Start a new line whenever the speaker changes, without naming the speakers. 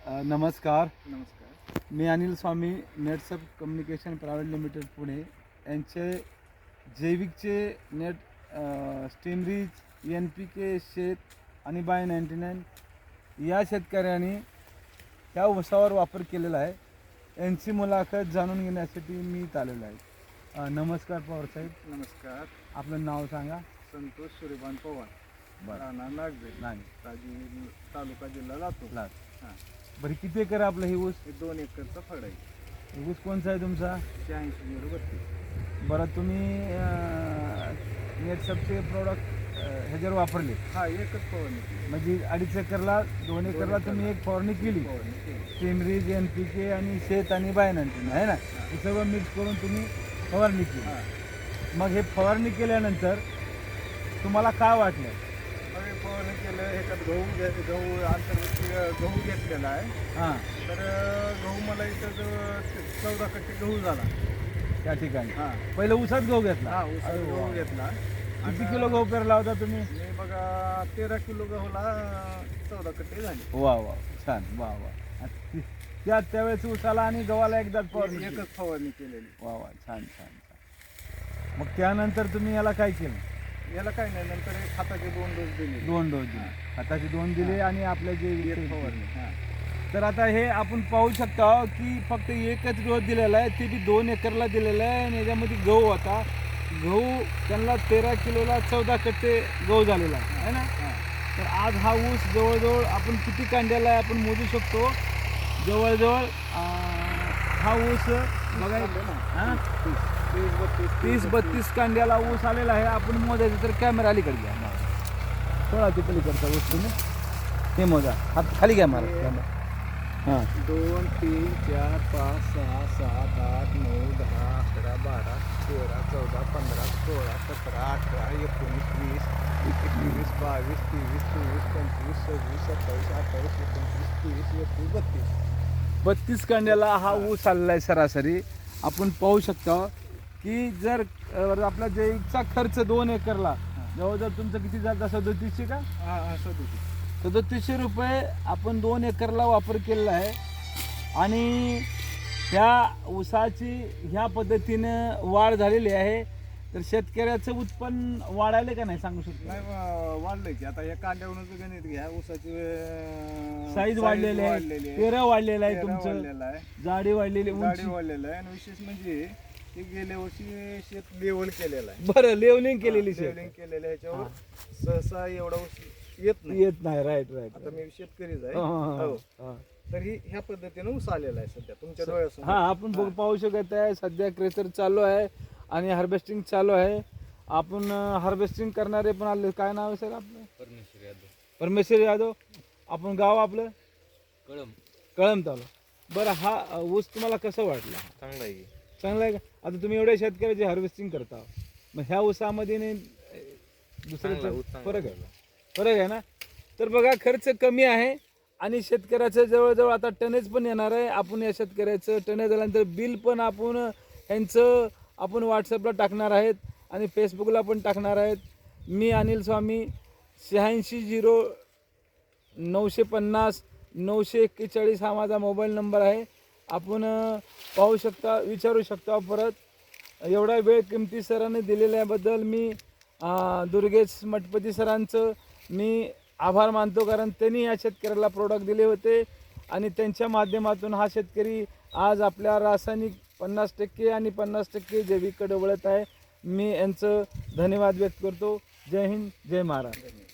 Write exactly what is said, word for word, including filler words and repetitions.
अ, नमस्कार.
नमस्कार.
मी अनिल स्वामी, नेटसप कम्युनिकेशन प्रायव्हेट लिमिटेड पुणे यांचे जैविकचे नेट स्टीमरीज एन पी के शेत आणि बाय नाईन्टी नाईन या शेतकऱ्यांनी ह्या ऊसावर वापर केलेला आहे. यांची मुलाखत जाणून घेण्यासाठी मी इथं आलेलो आहे. अ, नमस्कार पवारसाहेब.
नमस्कार.
आपलं नाव सांगा.
संतोष सूर्यभान पवार,
बरं.
राहणार नागझरी,
नाही
ताजी तालुका जिल्हा लातूर.
लाट
हां,
बरं, किती एकर आहे आपलं हे ऊस?
हे दोन एकरचा फळ आहे.
हे ऊस कोणचा आहे तुमचा?
शहाऐंशी झिरो बत्तीस.
बरं, तुम्ही नेटसपचे प्रोडक्ट ह्याच्यावर वापरले
हा एकच फवारणी केली.
म्हणजे अडीच एकरला दोन एकरला तुम्ही एक फवारणी केली.
फवारणी केली.
स्टीमरीज एन पी के आणि शेत आणि बायनांटी आहे ना, हे सगळं मिक्स करून तुम्ही फवारणी केली.
हां,
मग हे फवारणी केल्यानंतर तुम्हाला काय वाटलं?
मग हे फवारणी केलं. ह्याच्यात गहू घे गहू अंतर्गत गहू घेतलेला आहे.
हां,
तर अं, गहू मला इथं जो चौदा कट्टे गहू झाला.
त्या ठिकाणी
हां
पहिलं ऊसात गहू घेतला.
हा ऊसात
अरे वा.
गहू घेतला.
किती
आणि
किलो गहू पेरला होता तुम्ही?
मी बघा तेरा किलो गहूला चौदा कट्टे झाले.
वा वा, छान, वा वा. आणि ती- त्या त्यावेळेस ऊसाला आणि गव्हाला एकदा फवारणी केली.
एकच फवारणी केलेली.
वा वा, छान छान छान. मग त्यानंतर तुम्ही याला काय केलं?
याला काय नाही, नंतर एक खताचे दोन डोस दिले.
दोन डोस दिले, खताचे दोन दिले आणि आपले जे
एक फवारणी. हां
तर आता हे आपण पाहू शकता की फक्त एकच डोस दिलेला आहे, ते बी दोन एकरला दिलेला आहे. आणि याच्यामध्ये गहू होता. गहू त्यांना तेरा किलोला चौदा कट्टे गहू झालेला आहे है ना.
हां
तर आज हा ऊस जवळजवळ आपण किती कांड्याला आहे आपण मोजू शकतो. जवळजवळ अं, हा ऊस बघा, हां
तीस बत्तीस
तीस बत्तीस कांड्याला ऊस आलेला आहे. आपण मोजायचं तर कॅमेरा अलीकडे घ्या, थोडा ते पलीकडचा ऊस तुम्ही हे मोजा. हात खाली घ्या मला कॅमेरा. हां,
दोन तीन चार पाच सहा सात आठ नऊ दहा अकरा बारा तेरा चौदा पंधरा सोळा सतरा अठरा एकोणीस वीस एकवीस बावीस तेवीस चोवीस पंचवीस सव्वीस सत्तावीस अठ्ठावीस एकोणतीस तीस एकवीस बत्तीस
बत्तीस कांड्याला हा ऊस आलेला आहे सरासरी. आपण पाहू शकता की जर अ, आपला जैविकचा खर्च दोन एकरला जवळजवळ तुमचं किती जातं? सदोतीसशे का
हां हां सदोतीस.
सदोतीसशे रुपये आपण दोन एकरला वापर केलेला आहे. आणि ह्या ऊसाची ह्या पद्धतीनं वाढ झालेली आहे. तर शेतकऱ्याचं उत्पन्न वाढायला का नाही सांगू शकतो?
नाही वा- वाढलंय की आता या कांद्यावरून गणित घ्या. ऊसाची
साईज वाढलेली आहे,
वाढलेली आहे.
पेरं वाढलेलं आहे,
पेरा
तुमचं
वाढलेला आहे.
जाडी वाढलेली,
गाडी
उंची.
वाढलेलं आहे. आणि विशेष म्हणजे ते गेल्या वर्षी शेत लेवल केलेलं आहे.
बरं, लेवलिंग केलेली शेत
लेवलिंग केलेलं आहे. ह्याच्यावर सहसा एवढा ऊस येत नाही.
येत नाही. Right right.
आता मी शेतकरीच आहे.
हा, हा,
हो.
हा.
तर ही ह्या पद्धतीने ऊस आलेला आहे सध्या तुमच्या डोळ्यासमोर.
हा, आपण बघ- पाहू शकत आहे सध्या क्रेचर चालू आहे आणि हार्वेस्टिंग चालू आहे. आपण हार्वेस्टिंग करणारे पण आले. काय नाव आहे सर आपलं?
परमेश्वर यादव,
परमेश्वर यादव. आपण गाव आपलं
कळम.
कळम तालुका. बरं, हा अ, ऊस तुम्हाला कसं वाटला?
चांगला आहे की.
चांगला आहे का? आता तुम्ही एवढ्या शेतकऱ्याचे हार्वेस्टिंग करता, मग ह्या ऊसामध्ये नाही अ,
चांगला
दुसऱ्याचं
ऊस चांगला
फरक आहे?
झाला.
फरक आहे ना. तर बघा, खर्च कमी आहे आणि शेतकऱ्याचं जवळजवळ आता टनेज पण येणार आहे. आपण या शेतकऱ्याचं टनेज झाल्यानंतर बिल पण आपण ह्यांचं आपण व्हॉट्सअपला टाकणार आहेत आणि फेसबुकला पण टाकणार आहेत. मी अनिल स्वामी, शहाऐंशी झिरो नऊशे पन्नास नऊशे एक्केचाळीस हा माझा मोबाईल नंबर आहे. आपण अ, पाहू शकता, विचारू शकता. परत एवढा वेळ किमती सरांनी दिलेल्याबद्दल मी अ, दुर्गेश मठपती सरांचं मी आभार मानतो, कारण त्यांनी या शेतकऱ्याला प्रोडक्ट दिले होते आणि त्यांच्या माध्यमातून हा शेतकरी आज आपल्या रासायनिक पन्नास टक्के आणि पन्नास टक्के जैविककडे वळत आहे. मी यांचं धन्यवाद व्यक्त करतो. जय हिंद, जय महाराष्ट्र.